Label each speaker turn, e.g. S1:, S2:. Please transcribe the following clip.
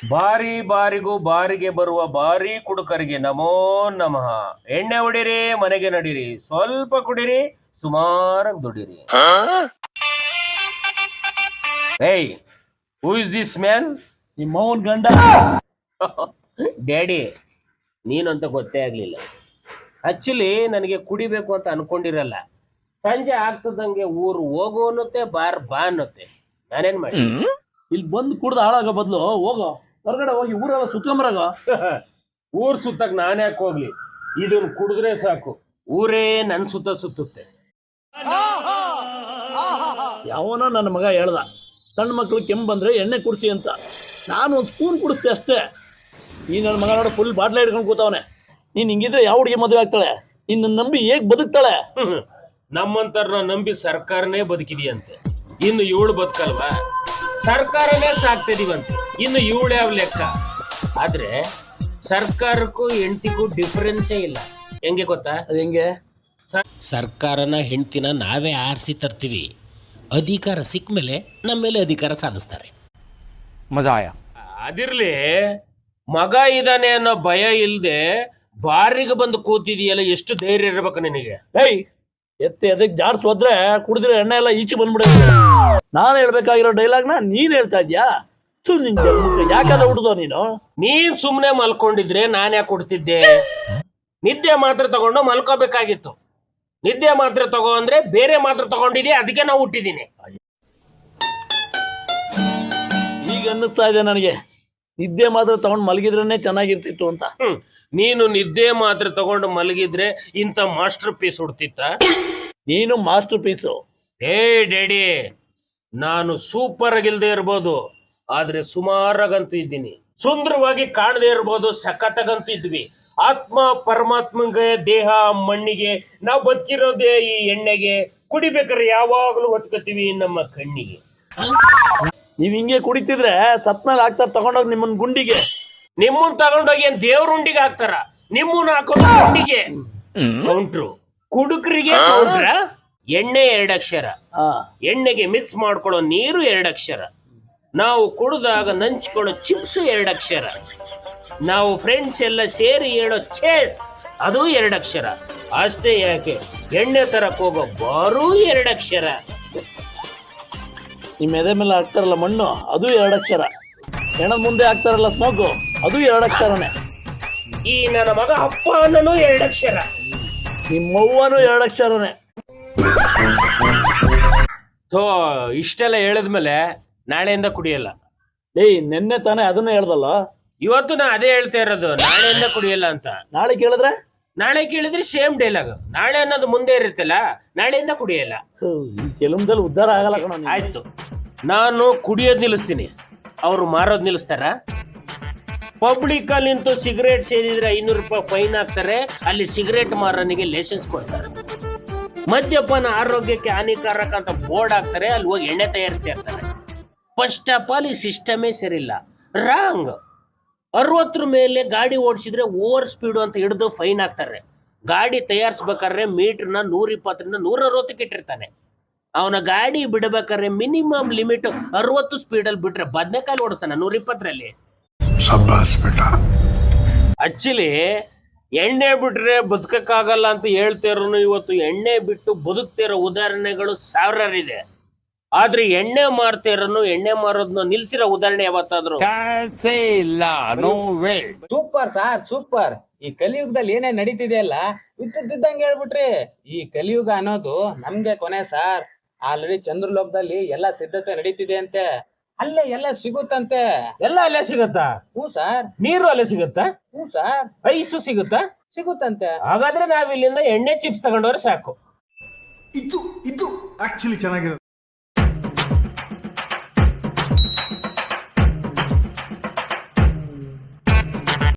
S1: ಬಾರಿ ಬಾರಿಗೂ ಬಾರಿಗೆ ಬರುವ ಬಾರಿ ಕುಡುಕರಿಗೆ ನಮೋ ನಮಃ. ಎಣ್ಣೆ ಹೊಡಿರಿ, ಮನೆಗೆ ನಡೀರಿ, ಸ್ವಲ್ಪ ಕುಡಿರಿ, ಸುಮಾರಾಗಿ ದುಡಿರಿ. ಏಯ್, ಹೂ ಇಸ್ ದಿಸ್ ಮ್ಯಾನ್?
S2: ನಿಮ್ಮವನ್ ಗಂಡ.
S1: ಡ್ಯಾಡಿ, ನೀನಂತ ಗೊತ್ತೇ ಆಗ್ಲಿಲ್ಲ. ಆಕ್ಚುಲಿ ನನಗೆ ಕುಡಿಬೇಕು ಅಂತ ಅನ್ಕೊಂಡಿರಲ್ಲ. ಸಂಜೆ ಆಗ್ತದಂಗೆ ಊರು ಹೋಗು ಅನ್ನುತ್ತೆ, ಬಾರ್ ಬಾ ಅನ್ನುತ್ತೆ. ನಾನೇನ್ ಮಾಡಿ?
S2: ಇಲ್ಲಿ ಬಂದು ಕುಡ್ದು ಹಾಳಾಗೋ ಬದಲು ಹೋಗೋ ಹೊರಗಡೆ ಹೋಗಿ ಊರೆಲ್ಲ ಸುತ್ಕೊಂಬರಾಗ.
S1: ಊರ್ ಸುತ್ತಕ್ ನಾನ್ ಯಾಕೆ ಹೋಗ್ಲಿ? ಇದನ್ ಕುಡಿದ್ರೆ ಸಾಕು, ಊರೇ ನನ್ ಸುತ್ತ ಸುತ್ತುತ್ತೆ.
S2: ಯಾವನೋ ನನ್ನ ಮಗ ಹೇಳ್ದ, ಸಣ್ಣ ಮಕ್ಳು ಕೆಮ್ಮು ಬಂದ್ರೆ ಎಣ್ಣೆ ಕುಡ್ಸಿ ಅಂತ. ನಾನು ಒಂದು ಸ್ಪೂನ್ ಕುಡಿಸ್ತೆ ಅಷ್ಟೇ. ಈ ನನ್ನ ಮಗ ನೋಡ ಫುಲ್ ಬಾಟ್ಲೆ ಹಿಡ್ಕೊಂಡು ಕೂತವನೆ. ನೀನ್ ಹಿಂಗಿದ್ರೆ ಯಾವ ಹುಡುಗಿ ಮದುವೆ ಆಗ್ತಾಳೆ? ನಿನ್ನ ನಂಬಿ ಹೇಗ್ ಬದುಕ್ತಾಳೆ?
S1: ನಮ್ಮಂತರ್ನ ನಂಬಿ ಸರ್ಕಾರನೇ ಬದುಕಿದೆಯಂತೆ, ಇನ್ನು ಇವಳು ಬದುಕಲ್ವಾ? ಸರ್ಕಾರನೇ ಸಾಕ್ತಿದೀವಂತೆ, ಇನ್ನು ಇವಳು ಯಾವ ಲೆಕ್ಕ? ಆದ್ರೆ ಸರ್ಕಾರಕ್ಕೂ ಹೆಂಡತಿಗೂ ಡಿಫರೆನ್ಸೇ ಇಲ್ಲ. ಹೆಂಗೆ ಗೊತ್ತಾ?
S2: ಅದು ಹೆಂಗೆ?
S1: ಸರ್ಕಾರನ ಹೆಂಡ್ತಿನ ನಾವೇ ಆರಿಸಿ ತರ್ತೀವಿ, ಅಧಿಕಾರ ಸಿಕ್ಕ ಮೇಲೆ ನಮ್ಮ ಮೇಲೆ ಅಧಿಕಾರ ಸಾಧಿಸ್ತಾರೆ.
S3: ಮಜಾ ಆಯಾ.
S1: ಅದಿರ್ಲಿ, ಮಗ ಇದ್ದಾನೆ ಅನ್ನೋ ಭಯ ಇಲ್ದೆ ಬಾರಿಗೆ ಬಂದು ಕೂತಿದೀಯಲ್ಲ, ಎಷ್ಟು ಧೈರ್ಯ ಇರ್ಬೇಕು ನಿನಗೆ?
S2: ಏಯ್, ಎತ್ತಿ ಅದಕ್ಕೆ ಜಾಡ್ಸ್ ಹೋದ್ರೆ ಕುಡಿದ್ರೆ ಎಣ್ಣೆ ಎಲ್ಲ ಈಚೆ ಬಂದ್ಬಿಡ. ನಾನು ಹೇಳ್ಬೇಕಾಗಿರೋ ಡೈಲಾಗ್ನ ನೀನ್ ಹೇಳ್ತಾ ಇದ್ಯಾ? ಯಾಕಂದ್ರೆ ಹುಡ್ದೋ ನೀನು?
S1: ನೀನ್ ಸುಮ್ನೆ ಮಲ್ಕೊಂಡಿದ್ರೆ ನಾನ್ ಯಾಕೆ ಕೊಡ್ತಿದ್ದೆ? ನಿದ್ದೆ ಮಾತ್ರ ತಗೊಂಡು ಮಲ್ಕೋಬೇಕಾಗಿತ್ತು. ನಿದ್ದೆ ಮಾತ್ರ ತಗೋ ಅಂದ್ರೆ ಬೇರೆ ಮಾತ್ರ ತಗೊಂಡಿದ್ಯಾ, ಅದಕ್ಕೆ ನಾವು ಹುಟ್ಟಿದೀನಿ.
S2: ಈಗ ಅನ್ನಿಸ್ತಾ ಇದೆ ನನಗೆ, ನಿದ್ದೆ ಮಾತ್ರ ತಗೊಂಡು ಮಲಗಿದ್ರೇನೆ ಚೆನ್ನಾಗಿರ್ತಿತ್ತು ಅಂತ.
S1: ನೀನು ನಿದ್ದೆ ಮಾತ್ರ ತಗೊಂಡು ಮಲಗಿದ್ರೆ ಇಂಥ ಮಾಸ್ಟರ್ ಪೀಸ್ ಹುಡ್ತಿತ್ತ?
S2: ನೀನು ಮಾಸ್ಟರ್ ಪೀಸು.
S1: ಹೇ ಡ್ಯಾಡಿ, ನಾನು ಸೂಪರ್ ಆಗಿಲ್ದೆ ಇರ್ಬೋದು, ಆದ್ರೆ ಸುಮಾರಾಗಂತೂ ಇದ್ದೀನಿ. ಸುಂದರವಾಗಿ ಕಾಣದೇ ಇರ್ಬೋದು, ಸಖತ್ತಾಗಂತೂ ಇದ್ವಿ. ಆತ್ಮ ಪರಮಾತ್ಮಗೆ, ದೇಹ ಮಣ್ಣಿಗೆ, ನಾವು ಬದುಕಿರೋದೇ ಈ ಎಣ್ಣೆಗೆ. ಕುಡಿಬೇಕಾದ್ರೆ ಯಾವಾಗಲೂ ಹೊತ್ಕೋತೀವಿ ನಮ್ಮ ಕಣ್ಣಿಗೆ.
S2: ನೀವ್ ಹಿಂಗೆ ಕುಡಿತಿದ್ರೆ ಸತ್ಮೇಲೆ ಹಾಕ್ತಾರ ತಗೊಂಡೋಗಿ ನಿಮ್ಮನ್ ಗುಂಡಿಗೆ.
S1: ನಿಮ್ಮನ್ ತಗೊಂಡೋಗಿ ಏನ್ ದೇವ್ರ ಉಂಡಿಗೆ ಹಾಕ್ತಾರ? ನಿಮ್ಮನ್ನ ಹಾಕೋದು ಗುಂಡಿಗೆ. ಕೌಂಟ್ರು ಕುಡುಕರಿಗೆ ಕೌಂಟ್ರ. ಎಣ್ಣೆ 2 ಅಕ್ಷರ, ಎಣ್ಣೆಗೆ ಮಿಕ್ಸ್ ಮಾಡ್ಕೊಳ್ಳೋ ನೀರು 2 ಅಕ್ಷರ, ನಾವು ಕುಡಿದಾಗ ನಂಚ್ಕೊಳ್ಳೋ ಚಿಪ್ಸ್ 2 ಅಕ್ಷರ, ನಾವು ಫ್ರೆಂಡ್ಸ್ ಎಲ್ಲ ಸೇರಿ ಹೇಳೋ ಚೇಸ್ ಅದು 2 ಅಕ್ಷರ. ಅಷ್ಟೇ ಯಾಕೆ, ಎಣ್ಣೆ ತರಕ್ ಹೋಗೋ ಬಾರೂ 2 ಅಕ್ಷರ.
S2: ನಿಮ್ಮ ಎದೆ ಮೇಲೆ ಹಾಕ್ತಾರಲ್ಲ ಮಣ್ಣು, ಅದು 2 ಅಕ್ಷರ. ಹೆಣದ ಮುಂದೆ ಹಾಕ್ತಾರಲ್ಲ ಸ್ಮೋಕು, ಅದು 2 ಅಕ್ಷರನೇ.
S1: ಈ ನನ್ನ ಮಗ ಅಪ್ಪ ಅನ್ನನೂ 2 ಅಕ್ಷರ.
S2: ನಿಮ್ಮವ್ವನು 2 ಅಕ್ಷರನೇ.
S1: ಇಷ್ಟೆಲ್ಲ ಹೇಳಿದ್ಮೇಲೆ ನಾಳೆಯಿಂದ ಕುಡಿಯಲ್ಲ.
S2: ಏಯ್, ನೆನ್ನೆ ತಾನೇ ಅದನ್ನ ಹೇಳ್ದಲ್ಲ.
S1: ಇವತ್ತು ನಾ ಅದೇ ಹೇಳ್ತಾ ಇರೋದು, ನಾಳೆಯಿಂದ ಕುಡಿಯಲ್ಲ ಅಂತ.
S2: ನಾಳೆ ಕೇಳಿದ್ರೆ?
S1: ನಾಳೆ ಕೇಳಿದ್ರೆ ಸೇಮ್ ಡೈಲಾಗ್. ನಾಳೆ ಅನ್ನೋದು ಮುಂದೆ ಇರುತ್ತಲ್ಲ, ನಾಳೆಯಿಂದ ಕುಡಿಯಲ್ಲ.
S2: ಈ ಕೆಲವೊಂದಲ್ಲಿ ಉದ್ಧಾರ ಆಗಲ್ಲ ಕಣ.
S1: ಆಯ್ತು, ನಾನು ಕುಡಿಯೋದ್ ನಿಲ್ಲಿಸ್ತೀನಿ, ಅವ್ರು ಮಾರೋದ್ ನಿಲ್ಲಿಸ್ತಾರ? ಪಬ್ಲಿಕ್ ಅಲ್ಲಿ ನಿಂತು ಸಿಗರೇಟ್ ಸೇದಿದ್ರೆ 500 ರೂಪಾಯಿ ಫೈನ್ ಹಾಕ್ತಾರೆ, ಅಲ್ಲಿ ಸಿಗರೇಟ್ ಮಾರನಿಗೆ ಲೈಸೆನ್ಸ್ ಕೊಡ್ತಾರೆ. ಮದ್ಯಪಾನ ಆರೋಗ್ಯಕ್ಕೆ ಹಾನಿಕಾರಕ ಅಂತ ಬೋರ್ಡ್ ಹಾಕ್ತಾರೆ, ಅಲ್ಲಿ ಹೋಗಿ ಎಣ್ಣೆ ತಯಾರಿಸ್ತಾ ಇರ್ತಾರೆ. ಫಸ್ಟ್ ಆಫ್ ಆಲ್ ಈ ಸಿಸ್ಟಮೇ ಸರಿಯಿಲ್ಲ, ರಾಂಗ್. 60 ಮೇಲೆ ಗಾಡಿ ಓಡಿಸಿದ್ರೆ ಓವರ್ ಸ್ಪೀಡು ಅಂತ ಹಿಡಿದು ಫೈನ್ ಹಾಕ್ತಾರೆ. ಗಾಡಿ ತಯಾರಿಸ್ಬೇಕಾದ್ರೆ ಮೀಟರ್ನ 120ರಿಂದ 160ಕ್ಕೆ ಇಟ್ಟಿರ್ತಾನೆ. ಅವನ ಗಾಡಿ ಬಿಡಬೇಕಾದ್ರೆ ಮಿನಿಮಮ್ ಲಿಮಿಟ್ 60 ಸ್ಪೀಡಲ್ಲಿ ಬಿಟ್ರೆ ಬದನೆಕಾಯಿ ಓಡಿಸ್ತಾನೆ 120ರಲ್ಲಿ. ಆಕ್ಚುಲಿ ಎಣ್ಣೆ ಬಿಟ್ರೆ ಬದುಕಕ್ಕಾಗಲ್ಲ ಅಂತ ಹೇಳ್ತಿರೋನು ಇವತ್ತು ಎಣ್ಣೆ ಬಿಟ್ಟು ಬದುಕ್ತಿರೋ ಉದಾಹರಣೆಗಳು ಸಾವಿರಾರಿದೆ. ಆದ್ರೆ ಎಣ್ಣೆ ಮಾರ್ತಿರೋನು, ಎಣ್ಣೆ ಮಾರೋದನ್ನ ನಿಲ್ಸಿರೋ ಉದಾಹರಣೆ ಯಾವತ್ತಾದ್ರು?
S4: Super sir, super. ಈ ಕಲಿಯುಗದಲ್ಲಿ ಏನೇ ನಡೀತಿದೆ ಅಲ್ಲ, ಇದ್ದಂಗೆ ಹೇಳ್ಬಿಟ್ರಿ. ಈ ಕಲಿಯುಗ ಅನ್ನೋದು ನಮ್ಗೆ ಕೊನೆ ಸಾರ್. ಆಲ್ರೆಡಿ ಚಂದ್ರಲೋಕದಲ್ಲಿ ಎಲ್ಲ ಸಿದ್ಧತೆ ನಡೀತಿದೆ ಅಂತೆ, ಅಲ್ಲೇ ಎಲ್ಲ ಸಿಗುತ್ತಂತೆ.
S1: ಎಲ್ಲ ಅಲ್ಲೇ ಸಿಗುತ್ತಾ?
S4: ಹ್ಞೂ ಸಾರ್.
S1: ನೀರು ಅಲ್ಲೇ ಸಿಗುತ್ತಾ?
S4: ಹ್ಞೂ ಸಾರ್.
S1: ಐಸು ಸಿಗುತ್ತಾ?
S4: ಸಿಗುತ್ತಂತೆ.
S1: ಹಾಗಾದ್ರೆ ನಾವ್ ಇಲ್ಲಿಂದ ಎಣ್ಣೆ ಚಿಪ್ಸ್ ತಗೊಂಡವ್ರೆ ಸಾಕು.
S5: ಇದು ಆಕ್ಚುಲಿ ಚೆನ್ನಾಗಿರೋದು.